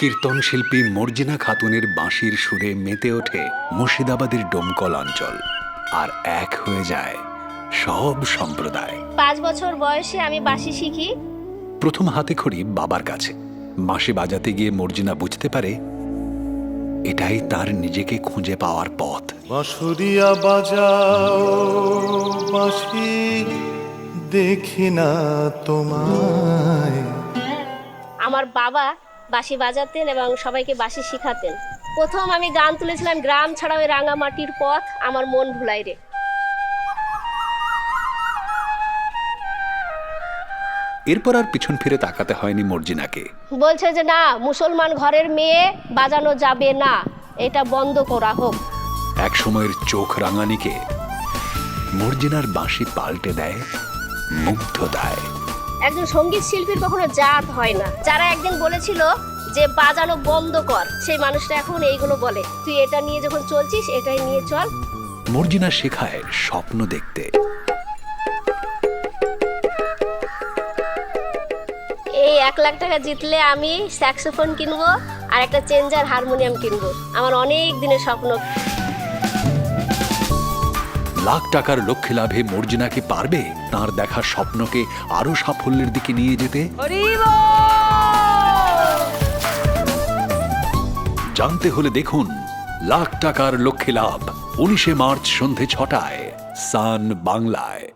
কীর্তন শিল্পী মর্জিনা খাতুনের বাঁশির সুরে মেতে ওঠে মুর্শিদাবাদের ডোমকল অঞ্চল, আর এক হয়ে যায় সব সম্প্রদায়। 5 বছর বয়সে আমি বাঁশি শিখি। প্রথম হাতেখড়ি বাবার কাছে। বাঁশি বাজাতে গিয়ে মর্জিনা বুঝতে পারে এটাই তার নিজেকে খুঁজে পাওয়ার পথ। বাঁশুরিয়া বাজাও বাঁশি, দেখি না তোমায়। আমার বাবা বাঁশি বাজাতেন এবং সবাইকে বাঁশি শিখাতেন। প্রথম আমি গান তুলেছিলাম গ্রাম ছাড়া ওই রাঙামাটির পথ আমার মন ভুলাই রে। এরপর আর পিছন ফিরে তাকাতে হয়নি মর্জিনাকে। বলছে যে না, মুসলমান ঘরের মেয়ে বাজানো যাবে না, এটা বন্ধ করা হোক। এক সময়ের চোখ রাঙানিকে মর্জিনার বাঁশি পাল্টে দেয় মুগ্ধতায়। একজন সঙ্গীত শিল্পীর কখনো জাত হয় না। যারা একদিন বলেছিল যে বাজানো বন্ধ কর, সেই মানুষটা এখন এইগুলো বলে, তুই এটা নিয়ে যখন চলছিস এটাই নিয়ে চল। মর্জিনা শেখায় স্বপ্ন দেখতে। এই 1 লাখ টাকা জিতলে আমি স্যাক্সোফোন কিনবো আর একটা চেঞ্জার হারমোনিয়াম কিনবো। আমার অনেক দিনের স্বপ্ন। লাখ টাকার লক্ষ্যে লাভে মর্জিনা কি পারবে তার দেখা স্বপ্নকে আরো সাফল্যের দিকে নিয়ে যেতে? জানতে হলে দেখুন লাখ টাকার লক্ষ্যে লাভ, 19শে মার্চ সন্ধে 6টায় সান বাংলায়।